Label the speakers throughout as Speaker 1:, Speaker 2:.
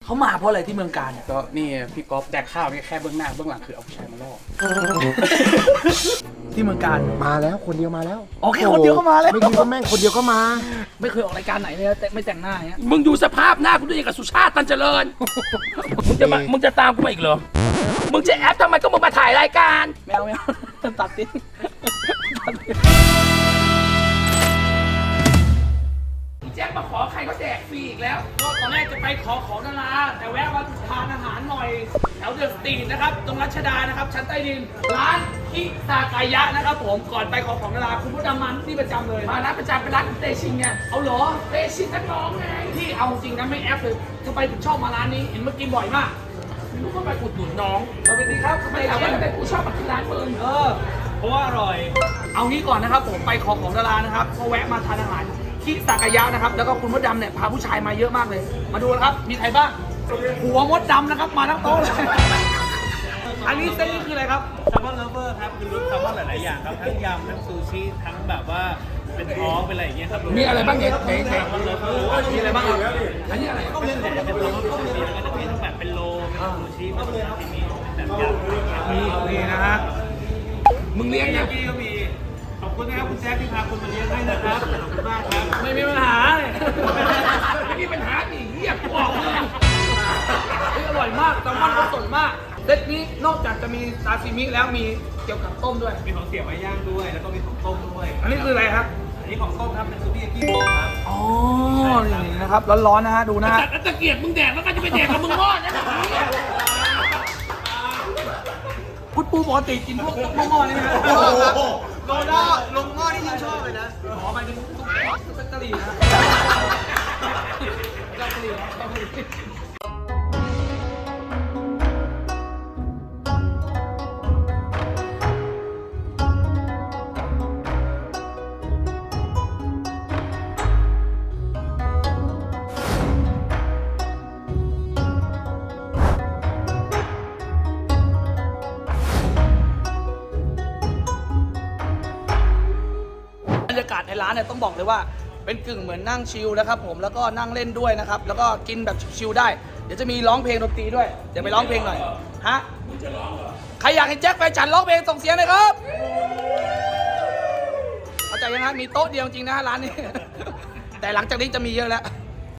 Speaker 1: เขามาเพราะอะไรที่เมืองการเนี่ย
Speaker 2: ก็นี่พี่ก๊อฟแดกข้าวนี่แค่เบื้องหน้าเบื้องหลังคือเอาผู้ชายมาล่อ
Speaker 1: ที่เมืองการ
Speaker 3: มาแล้วคนเดียวมาแล้ว
Speaker 1: โอเคคนเดียวก็มาแล้ว
Speaker 3: ไม่คิดว่าแม่งคนเดียวก็มา
Speaker 1: ไม่เคยออกรายการไหนเลยแต่ไม่แต่งหน้าอย่างเงี้ย
Speaker 2: มึงดูสภาพหน้ากูด้วยอย่างกับสุชาติตันเจริญ มึงจะตามกูมาอีกเหรอ มึงจะแอปทำไมก็มึงมาถ่ายรายการ
Speaker 1: แมวตัดติด
Speaker 2: แจ็คมาขอใครก็แจกฟรีอีกแล้วก็ตอนแรกจะไปขอของดาราแต่แวะมาทานอาหารหน่อยแถวเดอะสตรีทนะครับตรงรัชดานะครับชั้นใต้ดินร้านคิซากายะนะครับผมก่อนไปขอของดาราคุณผู้ดำมันที่ประจำเลยมาร้านประจำเป็นร้านเตชินไงเอาเหรอเตชินนักร้องไงที่เอาจริงนะไม่แอปเลยทำไมถึงชอบมาร้านนี้เห็นเมื่อกี้บ่อยมากไม่รู้ก็ไปอุดหนุนน้องสวัสดีครับทำไมถามว่าทำไมกูชอบมาที่ร้านมึงเพราะว่าอร่อยเอางี้ก่อนนะครับผมไปขอของดารานะครับก็แวะมาทานอาหารคิซากายะนะครับแล้วก็คุณมดดำเนี่ยพาผู้ชายมาเยอะมากเลย มาดูนะครับมีใครบ้างหัวมดดำนะครับมาทั้งโต๊ะเลยอันนี้เส้นนี้คืออะไรครับ
Speaker 4: แซลมอนเลฟเวอร์ครับคือรสแซลมอนหลายๆอย่างครับทั้งยำทั้งซูชิทั้งแบบว่าเป็นท้องเป็นอะไรอย่างเงี้ยครับ
Speaker 2: มีอะไรบ้างเนี่ยไหน
Speaker 4: แซลมอนเลฟเวอร์
Speaker 2: มีอะไรบ้างครับอันนี้อะไร
Speaker 4: ก็เป็นแบบเป็นโลก็มีแล้วก็จะมีทั้งแบบเป็นโลเป็นซูชิเป็นซาซิมิเป็นแบบยำ
Speaker 1: มีนี่นะฮะ
Speaker 2: มึงเลี้ยง
Speaker 4: เมื่
Speaker 2: ยั
Speaker 4: อง กี้ก็มีขอบคุณนะครับคุณแจ๊คที่พาคุณมาเลี้ยงให้นะครับขอบคุณมากครับ
Speaker 1: ไม่มีปัญหาเลย
Speaker 2: ไม่มีปัญหาดิเรียกกูออกเลย
Speaker 1: อร่อยมากแซลมอนก็สดมากเซตนี้นอกจากจะมีซาซิมิแล้วมีเกี่ยวกับต้มด้วย
Speaker 4: มีของเสียบไม้ย่างด้วยแล้วก็มีของต้มด้วย
Speaker 1: อันนี้คืออะไรครับ
Speaker 4: อันนี้ของต้มครับเป็นซูบี้ยากิหมูครับ
Speaker 1: อ๋อนี่นะครับร้อนๆนะฮะดูนะฮะ
Speaker 2: แต่ตะเกียบมึงแดกแล้วก็จะไปแดกกับมึงรอดนะ
Speaker 1: คุณปูปกติกินพวกหม้อๆนี่ไหมครับ
Speaker 4: โลด้าลงหม้อนี่ยิ่งชอบเลยนะ
Speaker 1: ขอไปถึงตุ๊กตาลีนะกะหรี่นะกะหรี่บรรยากาศในร้านเนี่ยต้องบอกเลยว่าเป็นกึ่งเหมือนนั่งชิลนะครับผมแล้วก็นั่งเล่นด้วยนะครับแล้วก็กินแบบชิลได้เดี๋ยวจะมีร้องเพลงดนตรีด้วยเดี๋ยวไปร้องเพลงหน่อยฮะใครอยากเห็นแจ็คแฟนฉันร้องเพลงส่งเสียงหน่อยครับเข้าใจยังฮะมีโต๊ะเดียวจริงนะร้านนี้ แต่หลังจากนี้จะมีเยอะแล้ว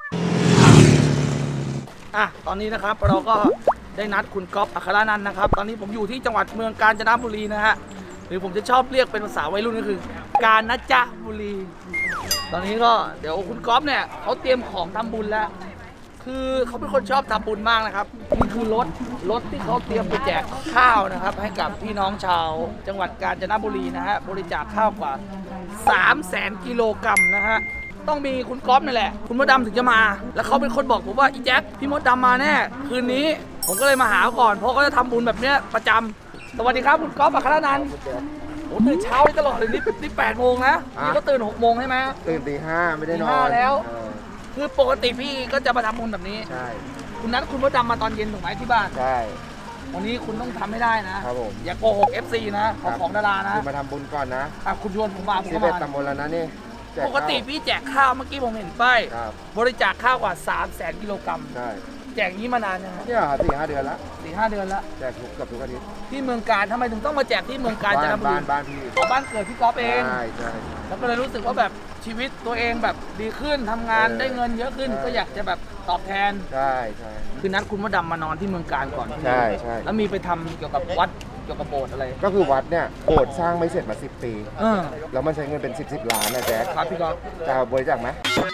Speaker 1: อ่ะตอนนี้นะครับเราก็ได้นัดคุณก๊อฟอัครนันท์นะครับตอนนี้ผมอยู่ที่จังหวัดเมืองกาญจนบุรีนะฮะหรือผมจะชอบเรียกเป็นภาษาวัยรุ่นก็คือกาญจนบุรี ตอนนี้ก็เดี๋ยวคุณก๊อฟเนี่ยเขาเตรียมของทำบุญแล้ว คือเขาเป็นคนชอบทำบุญมากนะครับนี่คือรถที่เขาเตรียมไปแจกข้าวนะครับ ให้กับพี่น้องชาวจังหวัดกาญจนบุรีนะฮะบริจาคข้าวกว่า 300,000 กิโลกรัมนะฮะต้องมีคุณก๊อฟนี่แหละคุณมดดำถึงจะมา แล้วเขาเป็นคนบอกผมว่าอีแจ็คพี่มดดำมาแน่คืนนี้ผมก็เลยมาหาก่อนเพราะเขาจะทำบุญแบบเนี้ยประจำสวัสดีครับคุณก๊อฟอัครนันท์โอ้ตื่นเช้าเลยตลอดเลยนี่8 โมงนะนี่ก็ตื่น6 โมงใช่ไหม
Speaker 3: ตื่นตี 5ไม่ได้นอน
Speaker 1: ตี 5แล้ว
Speaker 3: เออ
Speaker 1: คือปกติพี่ก็จะมาทำบุญแบบนี้
Speaker 3: ใช่
Speaker 1: คุณนัดคุณมดดำมาตอนเย็นถูกไหมที่บ้าน
Speaker 3: ใช่
Speaker 1: วันนี้คุณต้องทำให้ได้นะครับ
Speaker 3: ผม
Speaker 1: อย่าโกหก FC นะของดารานะ
Speaker 3: คือมาทำบุญก่อนนะ
Speaker 1: อ่ะคุณชวนผมมาผมก็
Speaker 3: 11
Speaker 1: มา
Speaker 3: ตำบลแล้วนะนี่แจ
Speaker 1: ปกติพี่แจกข้าวเมื่อกี้ผมเห็นป้าย
Speaker 3: ครับ
Speaker 1: บริจาคข้าวกว่า 300,000 กิโลกรัม
Speaker 3: ใช่
Speaker 1: แจกนี้มานานยังครับ
Speaker 3: เนี่ย4-5 เดือนละ
Speaker 1: 4-5 เดือนแล้ว
Speaker 3: แจกเกับทุกอาทิตย์
Speaker 1: ที่เมืองการทำไมถึงต้องมาแจกที่เมืองการจันทบุรี
Speaker 3: บ้านพี่
Speaker 1: อ๋อบ้านเกิดพี่ก๊อฟเอง
Speaker 3: ใช่ใช่
Speaker 1: แล้วก็เลยรู้สึกว่าแบบชีวิตตัวเองแบบดีขึ้นทำงานได้เงินเยอะขึ้น ก็อยากจะแบบตอบแทน
Speaker 3: ใช่ใช่
Speaker 1: คือนัดคุณมดดำมานอนที่เมืองการก่อน
Speaker 3: ใช่ใช่
Speaker 1: แล้วมีไปทำเกี่ยวกับวัดเกี่ยวกับโบสถ์อะไร
Speaker 3: ก็คือวัดเนี่ยโบสถ์สร้างไม่เสร็จมา10 ปี
Speaker 1: เออ
Speaker 3: แล้วมันใช้เงินเป็น10 ล้านนะแจ๊ค
Speaker 1: ครับพี่ก๊อฟ
Speaker 3: จะบริจาคไหม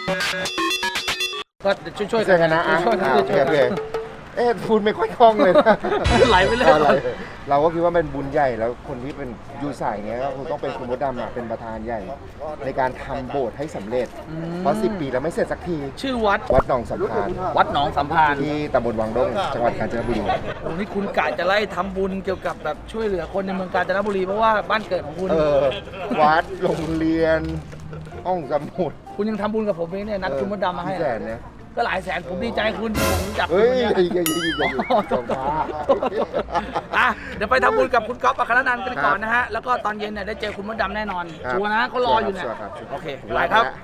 Speaker 1: ก็ช่วย
Speaker 3: ช่วยกันนะอ่ะ
Speaker 1: ช่วยกัน
Speaker 3: โอเค
Speaker 1: ช่วย
Speaker 3: โอเค
Speaker 1: กัน
Speaker 3: เอ๊ะพูดไม่ค่อยคล่องเลยนะ
Speaker 1: ไหลไปเลย
Speaker 3: อะไรเราก็คิดว่าเป็นบุญใหญ่แล้วคนที่เป็นยูสายเงี้ยก็คงต้องเป็นคุณมดดำอ่ะเป็นประธานใหญ่ ในการทำโบสถ์ให้สำเร็จ เพราะ10 ปีแล้วไม่เสร็จสักที
Speaker 1: ชื่อวัด
Speaker 3: วัดหนองสัมพันธ์
Speaker 1: วัดหนองสัมพันธ์
Speaker 3: ที่ตำบลวังดงจังหวัดกาญจนบุรี
Speaker 1: โอ้นี่คุณกะจะไล่ทำบุญเกี่ยวกับแบบช่วยเหลือคนในเมืองกาญจนบุรีเพราะว่าบ้านเกิดของคุณ
Speaker 3: วัดโรงเรียนห้องสมุด
Speaker 1: คุณยังทำบุญกับผมเองเนี่ยนัดคุณมดดำมาให้
Speaker 3: พี่แสนเนี่ย
Speaker 1: ก็หลายแสนผมดีใจคุณผมรู้จักคุ
Speaker 3: เฮ้
Speaker 1: ณ
Speaker 3: ย
Speaker 1: เนี่ย
Speaker 3: อย่าจงพา
Speaker 1: อ่ะเดี๋ยวไปทำบุญกับคุณก๊อฟอัครนันท์กันก่อนนะฮะแล้วก็ตอนเย็นเนี่ยได้เจอคุณมดดำแน่นอน
Speaker 3: ครับ
Speaker 1: ชัวร์นะเขารออยู่เนี่ย
Speaker 3: ชัวร์ครับ
Speaker 1: โอเค
Speaker 3: ผม
Speaker 1: ไป
Speaker 3: ลา
Speaker 1: ครับ
Speaker 3: แล้ว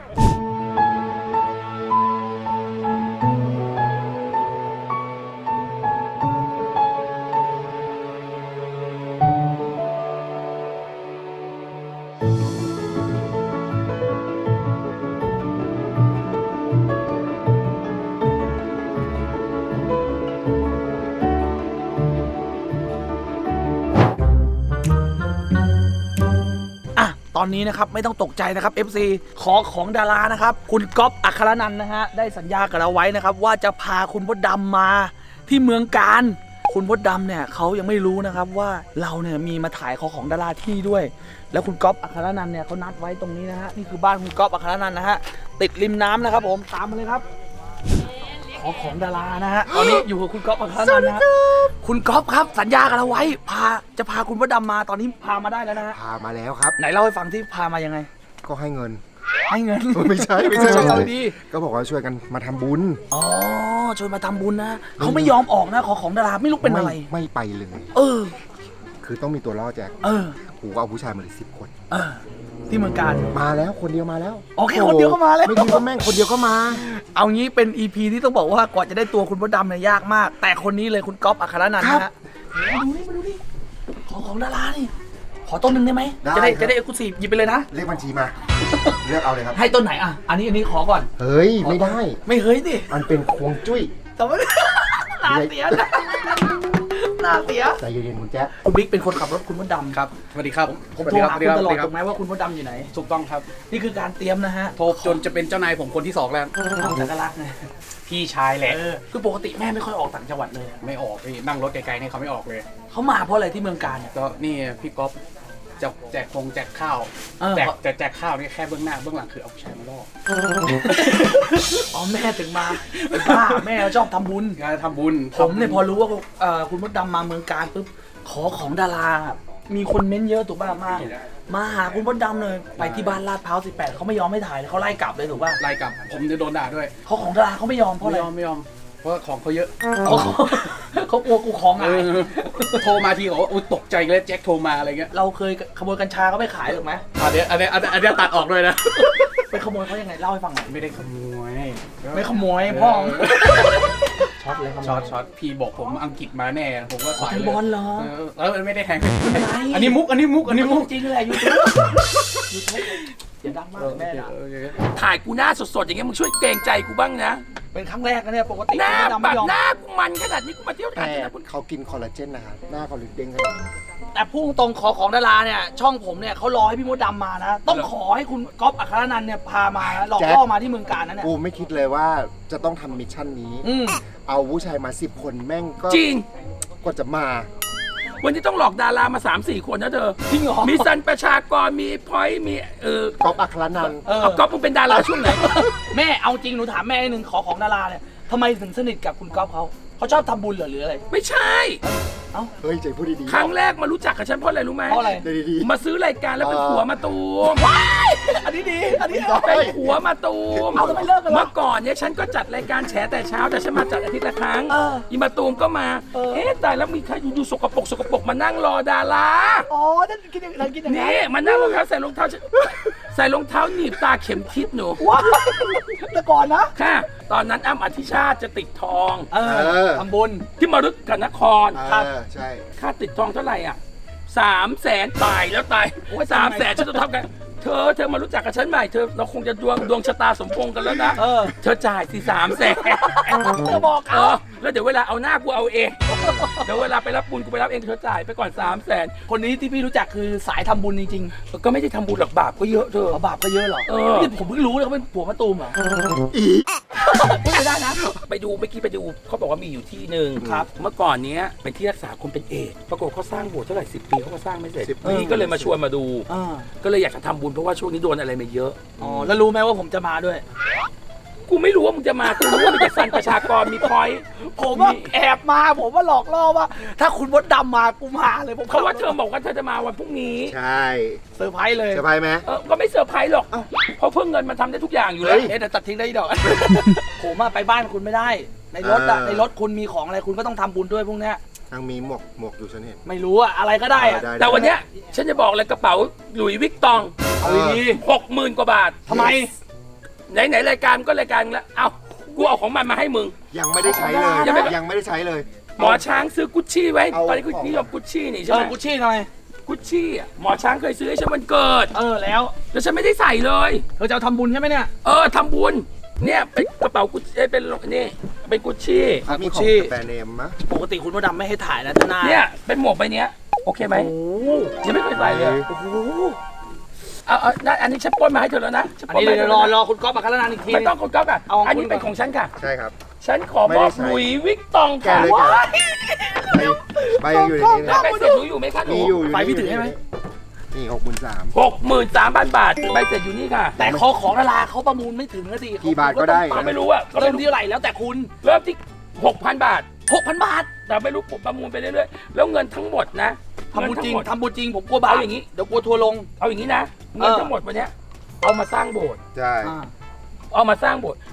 Speaker 1: อนนี้นะครับไม่ต้องตกใจนะครับ FC ขอของดารานะครับคุณก๊อฟอัครนันท์นะฮะได้สัญญากับเราไว้นะครับว่าจะพาคุณมดดำมาที่เมืองการคุณมดดำเนี่ยเขายังไม่รู้นะครับว่าเราเนี่ยมีมาถ่ายของดาราที่นี่ด้วยแล้วคุณก๊อฟอัครนันท์เนี่ยเขานัดไว้ตรงนี้นะฮะนี่คือบ้านคุณก๊อฟอัครนันท์นะฮะติดริมน้ำนะครับผมตามมาเลยครับของดารานะฮะตอนนี้อยู่กับคุณก๊อฟอัครนันท์นะฮะคุณก๊อฟครับสัญญากับเราไว้จะพาคุณมดดำมาตอนนี้พามาได้แล้วนะฮะ
Speaker 3: พามาแล้วครับ
Speaker 1: ไหนเล่าให้ฟังที่พามายังไง
Speaker 3: ก็ให้เงิน
Speaker 1: ให้เงิน
Speaker 3: ไม่ใช่
Speaker 1: เอาดี
Speaker 3: ก็บอกว่าช่วยกันมาทำบุญ
Speaker 1: อ๋อชวนมาทำบุญนะเขาไม่ยอมออกนะของดาราไม่รู้เป็นอะไร
Speaker 3: ไม่ไปเลย
Speaker 1: เออ
Speaker 3: คือต้องมีตัวล่อแจ็ค
Speaker 1: เออ
Speaker 3: กูก็เอาผู้ชายมาเลย10 คน
Speaker 1: เออที่เมืองการ
Speaker 3: มาแล้วคนเดียวมาแล้ว
Speaker 1: โอเคคนเดียวก็มาแล้ว
Speaker 3: ไม่คิดว่าแม่งคนเดียวก็มา
Speaker 1: เอางี้เป็น EP ที่ต้องบอกว่ากว่าจะได้ตัวคุณมดดำเนี่ยยากมาก แต่คนนี้เลยคุณก๊อฟอัครนันท์นะฮะมาดูนี่ของดารานี่ขอต้นหนึ่งได้ไหม
Speaker 3: ได้
Speaker 1: จะได้เอ็กซ์คลูซีฟหยิบไปเลยนะ
Speaker 3: เลขบัญชีมา เลือกเอาเลยครับ
Speaker 1: ให้ต้นไหนอ่ะอันนี้ขอก่อน
Speaker 3: เฮ้ย ไม่ได้
Speaker 1: ไม่เฮ้ยดิ
Speaker 3: มันเป็นควงจุ้ย
Speaker 1: แต่ว่า หน้าเสียนะหน้าเสีย
Speaker 3: ใจเย็นๆคุณแจ็ค
Speaker 1: คุณบิ๊กเป็นคนขับรถคุณมดดำ
Speaker 4: ครับสวัสดีครับ
Speaker 1: ผมโทรหาคุณตลอดถูกไหมว่าคุณมดดำอยู่ไหน
Speaker 4: ถูกต้องครับ
Speaker 1: นี่คือการเตรียมนะฮะ
Speaker 4: โทรจนจะเป็นเจ้านายผมคนที่2แล้ว
Speaker 1: เอาแต่ก็รักไง
Speaker 4: พี่ชายแหละ
Speaker 1: คือปกติแม่ไม่ค่อยออกต่างจังหวัดเลย
Speaker 4: ไม่ออกพี่นั่งรถไกลๆเนี่ยเขาไม่ออกเลย
Speaker 1: เขามาเพราะอะไรที่เมืองการเนี่ย
Speaker 4: ก็นี่พี่ก๊อฟจะแจกแจกข้าว
Speaker 1: เออ
Speaker 4: แจกข้าวนี่แค่เบื้องหน้าเบื้องหลังคือเอาผู้ชายมาล่อ
Speaker 1: อ๋อแม่ถึงมาไอ้บ้าแม่ชอบทำบุญ
Speaker 4: งานทำบุญ
Speaker 1: ผมเนี่ยพอรู้ว่าคุณมดดำมาเมืองการปุ๊บขอของดารามีคนเม้นเยอะถูกป่ะมาหาคุณมดดำเลยไปที่บ้านลาดพร้าว18เขาไม่ยอมให้ถ่ายเลยเขาไล่กลับเลยถูกป่ะ
Speaker 4: ไล่กลับผมจะโดนด่าด้วย
Speaker 1: เขาของดาราเขาไม่ยอมเพราะอะไร
Speaker 4: ไม่ยอมเพราะของเขาเยอะ
Speaker 1: เขากลัวกูของหาย
Speaker 4: โทรมาทีบอกว่าโอ๊ยตกใจเลยแจ็คโทรมาอะไรเงี้ย
Speaker 1: เราเคยขโมยกัญชาเขาไปขายถูกไหม
Speaker 4: อันนี้ตัดออกด้วยนะ
Speaker 1: ไปขโมยเขายังไงเล่าให้ฟังหน่อย
Speaker 4: ไม่ได้ขโมย
Speaker 1: ไม่ขโมยพ่อ
Speaker 4: ช็อตเลยครับช็อตพี่บอกผมอังกฤษมาแน่ผมก็สาย
Speaker 1: แทง
Speaker 4: เลย
Speaker 1: บอลเหรอ
Speaker 4: แล้วไม่ได้แทง
Speaker 1: ไม่
Speaker 4: อันนี้มุก
Speaker 1: จริงเลยยูทูบอย่าดังมากแม่ด่า
Speaker 2: ถ่ายกูหน้าสดๆอย่างเงี้ยมึงช่วยเกรงใจกูบ้างนะ
Speaker 1: เป็นครั้งแรกนะเนี่ยปกติ
Speaker 2: หน้า
Speaker 1: คุณมดดำ
Speaker 2: แบ
Speaker 1: ไม่
Speaker 2: บ
Speaker 1: ยอม
Speaker 2: หน้ากูมันขนาดนี้กูมาเที่ยวถ่าย
Speaker 3: แต่
Speaker 2: นะคุณ
Speaker 3: เขากินคอลลาเจนนะครับหน้าเขาเลยเด้งขนาดนี้
Speaker 1: แต่พุ่งตรงขอของดาราเนี่ยช่องผมเนี่ยเขารอให้พี่มดดำมานะต้องขอให้คุณก๊อฟอัครนันท์เนี่ยพามานะหลอกล่อมาที่เมืองการนะเนี่ย
Speaker 3: กูไม่คิดเลยว่าจะต้องทำมิชชั่นนี้ เอาผู้ชายมา10 คนแม่งก็
Speaker 2: จริง
Speaker 3: กว่าจะมา
Speaker 2: วันนี้ต้องหลอกดารามา 3-4 คนนะเธอ
Speaker 1: จริงเหรอ
Speaker 2: มีซันประชากรมีพอยต์มี
Speaker 3: ก๊อฟอัครนันท์
Speaker 2: เอาก๊อฟมึงเป็นดาราช่วงไหน
Speaker 1: แม่เอาจริงหนูถามแม่นิดนึงขอของดาราเนี่ยทำไมถึงสนิทกับคุณก๊อฟเขาชอบทำบุญเหรอหรืออะไร
Speaker 2: ไม่ใช่
Speaker 3: เฮ้ยใจพูดดีๆ
Speaker 2: ครั้งแรกมารู้จักกับฉันเพราะอะไรรู้ไหม
Speaker 1: เพราะอะไร
Speaker 3: ดี
Speaker 2: มาซื้อรายการแล้วเป็นผัวมาตูม
Speaker 1: อันนี้ดีอันนี้
Speaker 2: เป็นผัวมาตูม
Speaker 1: เอาทำไมเลิกกันล่ะ
Speaker 2: เมื่อก่อนเนี่ยฉันก็จัดรายการแฉแต่เช้าแต่ฉันมาจัดอาทิตย์ละครั้ง อีมาตูมก็มา แต่แล้วมีใครอยู่สกปรกมานั่งรอดารา
Speaker 1: อ๋อนั่นคิดอย่างนั้นคิดอย่างนั้น
Speaker 2: นี่มานั่งรองเท้าใส่รองเท้าหนีบตาเข็มทิศหนู
Speaker 1: ว้ายแต่ก่อนนะ
Speaker 2: ค่ะ ตอนนั้นอ้ำอธิชาติจะติดทอง
Speaker 1: ทำบุญ
Speaker 2: ที่มรึกกับนคร
Speaker 3: ใช่
Speaker 2: ค่าติดทองเท่าไหร่อ่ะ300,000ตายแล้วตายโอ้ย300,000ฉันจะทำกันเธอมารู้จักกับฉันใหม่เราคงจะดวงชะตาสมพงษ์กันแล้วนะเธอจ่ายสิ300,000
Speaker 1: เธอบอกเขา
Speaker 2: แล้วเดี๋ยวเวลาเอาหน้ากูเอาเองเดี๋ยวเวลาไปรับบุญกูไปรับเองเธอจ่ายไปก่อน300,000
Speaker 1: คนนี้ที่พี่รู้จักคือสายทำบุญจริง
Speaker 2: ก็ไม่ได้ทำบุญหรอกบาปก็เยอะเธอ
Speaker 1: ๆบาปก็เยอะเหรอนี่ผมเพิ่งรู้เลยเขาเป็นผัวมะตูมเหรอพูดไม่ได้นะ
Speaker 2: ไปดูเมื่อกี้ไปดูเขาบอกว่ามีอยู่ที่หนึ่งครับเมื่อก่อนเนี้ยเป็นที่รักษาคนเป็นเอดส์ปรากฏเขาสร้างโบสถ์เท่าไหร่10 ปีเขาก็สร้างไม่เสร็จนี่ก็เลยมาชวนมาดูก็เลยอยากจะทำบุญเพราะว่าช่วงนี้โดนอะไรมาเยอะ
Speaker 1: อ๋อแล้วรู้ไหมว่าผมจะมาด้วย
Speaker 2: กูไม่รู้ว่ามึงจะมากูรู้ว่ามึงจะสั่นประชากรมีพอยต์
Speaker 1: ผมว่าแอบมาผมว่าหลอกล่อว่า ถ้าคุณมดดำมากูมาเลยผม
Speaker 2: เพราะว่าเธอบอกว่าเธอจะมาวันพรุ่งนี้
Speaker 3: ใช่
Speaker 1: เซอร์ไพรส์เลย
Speaker 3: สบายไหม
Speaker 2: ก็ไม่เซอร์ไพรส์หรอกเพราะเพิ่งเงินมันทำได้ทุกอย่างอยู่แล้ว
Speaker 1: เดี๋ยวตัดทิ้งได้อีกดอก ผมไปบ้านคุณไม่ได้ ในรถในรถคุณมีของอะไรคุณก็ต้องทำบุญด้วยพวกเนี้ย
Speaker 3: นางมีหมวกอยู่ฉันเห็น
Speaker 1: ไม่รู้อะอะไรก็ได้อะ
Speaker 2: แต่วันเนี้ยฉันจะบอกเลยกระเป๋าหลุยส์วิกตอง
Speaker 1: เอาดี
Speaker 2: 60,000 กว่าบาท
Speaker 1: ๆทำไม
Speaker 2: ไหนรายการก็รายการแล้วเอ้ากูเอาของมันมาให้มึง
Speaker 3: ยังไม่ได้ใช้เลย
Speaker 2: ยังไม่
Speaker 3: ยังไม่ได้ใช้เลย
Speaker 2: หมอช้างซื้อกุชชี่ไว้
Speaker 3: เอา
Speaker 2: ตอนนี้กูนิยมกุชชี่นี่ใช่ไหม
Speaker 1: กุชชี่หน่อย
Speaker 2: กุชชี่อ่ะหมอช้างเคยซื้อให้ฉันวันเกิด
Speaker 1: แล้ว
Speaker 2: แล้วฉันไม่ได้ใส่เลย
Speaker 1: เธอจะเอาทำบุญใช่ไหมเนี่ย
Speaker 2: ทำบุญเนี่ยเป็นกระเป๋ากุชเป็นนี่เป็นกุชชี่
Speaker 3: เขามี
Speaker 1: กุช
Speaker 3: ข
Speaker 1: ชี่
Speaker 3: องแบรนด์เนมมะ
Speaker 1: ปกติคุณมดดำไม่ให้ถ่ายนะท่านา
Speaker 2: เนี่ยเป็นหมวกใบเนี้ยโอเคไหม
Speaker 1: โอ้
Speaker 2: ยังไม่เคยใส่เลย
Speaker 1: โห
Speaker 2: อันนี้ฉันปล้นมาให้เธอแล้วนะฉั
Speaker 1: อัน
Speaker 2: ปล้
Speaker 1: นี้
Speaker 2: มาให้
Speaker 1: เดี๋ยว
Speaker 2: ธ
Speaker 1: รอ
Speaker 2: แล้วนะ
Speaker 1: คุณก๊อฟอัครนันท์อีกที
Speaker 2: ไม่ต้องคุณก๊อฟอ่ะ
Speaker 1: เอาของ
Speaker 2: อันนี้
Speaker 1: คุณ
Speaker 2: เป็นของฉันค่ะ
Speaker 3: ใช่ครับ
Speaker 2: ฉันขอ
Speaker 3: ไม่
Speaker 2: ม
Speaker 3: ได้
Speaker 2: อบ
Speaker 3: ใช้
Speaker 2: หลุยส์วิกตองค่ะ
Speaker 3: แกเลย
Speaker 2: ว้าย
Speaker 3: ใบยังอยู่ในนี้
Speaker 2: แล้ว
Speaker 3: นะ
Speaker 2: ใบเสร็จหนูอยู่ไหมคะหนู
Speaker 3: มีอยู่
Speaker 1: ไฟพี่ถือให้ไหม
Speaker 3: นี่63,000
Speaker 2: 63,000 บาทใบเสร็จอยู่นี่ค่ะ
Speaker 1: แต่คอของดาราเขาประมูลไม่ถึงนะดิ
Speaker 3: กี่บาทก็ได้
Speaker 2: ก็ไม่รู้อ่ะก็
Speaker 1: เริ่
Speaker 2: ไม่
Speaker 1: ม
Speaker 2: รู้
Speaker 1: ที่เท่าไหร่แล้วแต่คุณ
Speaker 2: เริ่มที่ 6,000 บาท
Speaker 1: 6,000 บาท
Speaker 2: แต่ไม่รู้ประมูลไปเรื่อยๆแล้วเงินทั้งหมดนะ
Speaker 1: ทำบุญจริง
Speaker 2: เงินทั้งหมด
Speaker 1: ทำบุญจริงผมกลัวบาป
Speaker 2: เอาอย่างนี้
Speaker 1: เดี๋ยวกลัวทัวร์ลง
Speaker 2: เอาอย่างนี้นะเงินทั้งหมดวันเนี้ยเอามาสร้างโบสถ์
Speaker 3: ใช่
Speaker 2: เอามาสร้างโบสถ์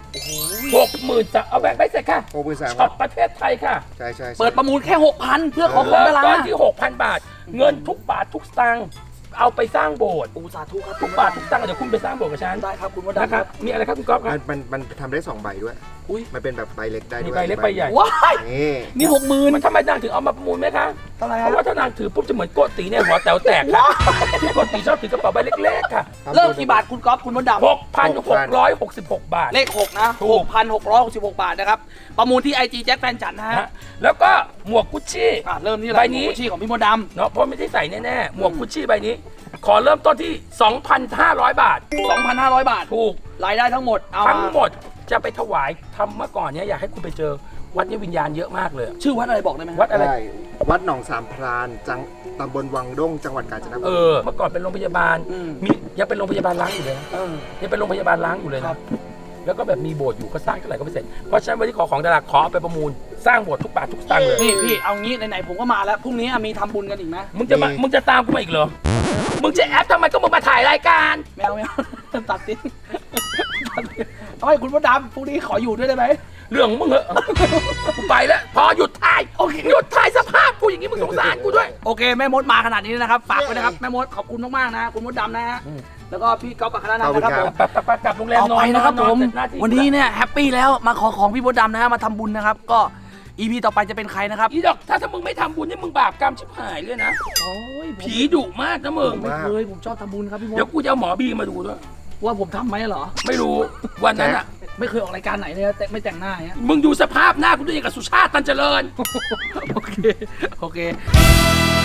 Speaker 2: 60,000เอาแบงค์ใบเสร็จค่ะ
Speaker 3: 63,000
Speaker 2: ช็อปประเทศไทยค่ะ
Speaker 3: ใช่ใช่
Speaker 1: เปิดประมูลแค่ 6,000 เพื่อขอของ
Speaker 2: เริ่ม
Speaker 1: ดารา
Speaker 2: ต้นที่ 6,000 บาท เงินทุกบาททุกสตางค์เอาไปสร้างโบสถ์
Speaker 1: ปูสาธุครับ
Speaker 2: ทุกบาททุกสตางค์เดี๋ยวคุณไปสร้างโบสถ์กับฉัน
Speaker 1: ได้ครับคุณมด
Speaker 2: นะ
Speaker 1: ดำ
Speaker 2: ค
Speaker 1: ค
Speaker 2: รั
Speaker 1: รั
Speaker 2: บบ มีอะไรครับคุณก๊อฟครับ
Speaker 3: มันทำได้2ใบด้วย
Speaker 1: อุ้ย
Speaker 3: มันเป็นแบบใบเล็กได้ด้วย
Speaker 2: มีใบเล็กใบใหญ่
Speaker 1: ว้าย
Speaker 3: นี่
Speaker 1: นี่ 60,000
Speaker 2: มันทำไมนางถึงเอามาประมูลไหมคะ
Speaker 1: เท่าไหร่
Speaker 2: เพ
Speaker 1: ฮะ
Speaker 2: ราะว่าถ้านางถือปุ๊บจะเหมือนโกติเนี่ยหัวแต๋วแตกค่ะที่โกติชอบถือกระเป๋าใบเล็กๆค่ะ
Speaker 1: เริ่มกี่บาทคุณก๊อฟคุณมดดำ
Speaker 2: 6,666 บาท
Speaker 1: เลข 6 นะ
Speaker 2: ถูก
Speaker 1: 6,666 บาทนะครับ ประมูลที่ IG แจ็คแฟนฉันนะฮะ
Speaker 2: ฮะแล้วก็หมวกกุชชี่
Speaker 1: เริ่มที่อะไร
Speaker 2: ใบนี้
Speaker 1: กุชชี่ของพี่มดด
Speaker 2: เนาะเพราะไม่ได้ใส่แน่ๆหมวกกุชชี่ใบนี้ ขอเริ่มต้นที่ 2,500 บาท
Speaker 1: ำ 2,500 บาท
Speaker 2: ถูก
Speaker 1: รายได้ทั้งหมดเอา
Speaker 2: ทั้ง
Speaker 1: มา
Speaker 2: หมดจะไปถวายทำเมื่อก่อนเนี้ยอยากให้คุณไปเจอวัดนี้วิญญาณเยอะมากเลย
Speaker 1: ชื่อวัดอะไรบอกได้ไหม
Speaker 2: วัดอะไร
Speaker 3: ใช่วัดหนองสามพรานตำบลวังด้งจังหวัดกาญจนบุ
Speaker 2: เอ
Speaker 3: รี
Speaker 2: อเมื่อก่อนเป็นโรงพยาบาลมียังเป็นโรงพยาบาลล้างอยู่เลยนะ
Speaker 1: เออ
Speaker 2: ยังเป็นโรงพยาบาลล้างอยู่เลย
Speaker 1: ครั
Speaker 2: นะ
Speaker 1: บ
Speaker 2: แล้วก็แบบมีโบสถ์อยู่ก็สร้างเท่าไหร่ก็ไม่เสร็จเพราะฉะนั้นวันนี้ขอของดาราขอเอาไปประมูลสร้างโบสถ์ทุกบาททุกสตางค์เลย
Speaker 1: พี่เอางี้ไหนๆผมก็มาแล้วพรุ่งนี้มีทำบุญกันอีกไหม
Speaker 2: มึงจะตามกูมาอีกเหรอมึงจะแอปทำไมก็มึงมาถ่ายรายการ
Speaker 1: ไม่เอา ตัดทิ้งเอาให้คุณมดดำพรุ่งนี้ขออยู่ด้วยได้ไหม
Speaker 2: เรื่องของมึงเหอะกูไปแล้วพอหยุดถ่ายโอเคหยุดถ่ายสภาพกูอย่างนี้มึงสงสารกูด้วย
Speaker 1: โอเคแม่มดมาขนาดนี้นะครับฝากไว้นะครับแม่มดขอบคุณมากๆนะคุณมดดำนะฮะแล้วก็พี่ก๊อฟอัครนันท์นะครับผม
Speaker 2: ไปกลับโรงแรม
Speaker 1: เอา
Speaker 2: นอ
Speaker 1: ไป
Speaker 2: น
Speaker 1: นะครับ
Speaker 2: น
Speaker 1: ผ
Speaker 2: อน
Speaker 1: ม
Speaker 2: เสร็จหาที่
Speaker 1: วันนี้เนี่ยแฮปปี้แล้วมาขอของพี่มดดำนะฮะมาทำบุญนะครับก็ EP ต่อไปจะเป็นใครนะครับ
Speaker 2: อีดอกถ้ามึงไม่ทำบุญนี่มึงบาปกรรมชิบหายเลยนะ
Speaker 1: โอ้ย
Speaker 2: ผีดุมากนะมึง
Speaker 1: ไม่เคยผมชอบทำบุญครับพี่มด
Speaker 2: เดี๋ยวกูจะเอาหมอบีมาดูด้วย
Speaker 1: ว่าผมทำไหมเหรอ
Speaker 2: ไม่รู้วันนั้นอ่ะ
Speaker 1: ไม่เคยออกรายการไหนเลยนะแต่ไม่แต่งหน้าอย่างเงี้ย
Speaker 2: มึงดูสภาพหน้ากูด้วยอย่างกับสุชาติตันเจริญ
Speaker 1: โอเค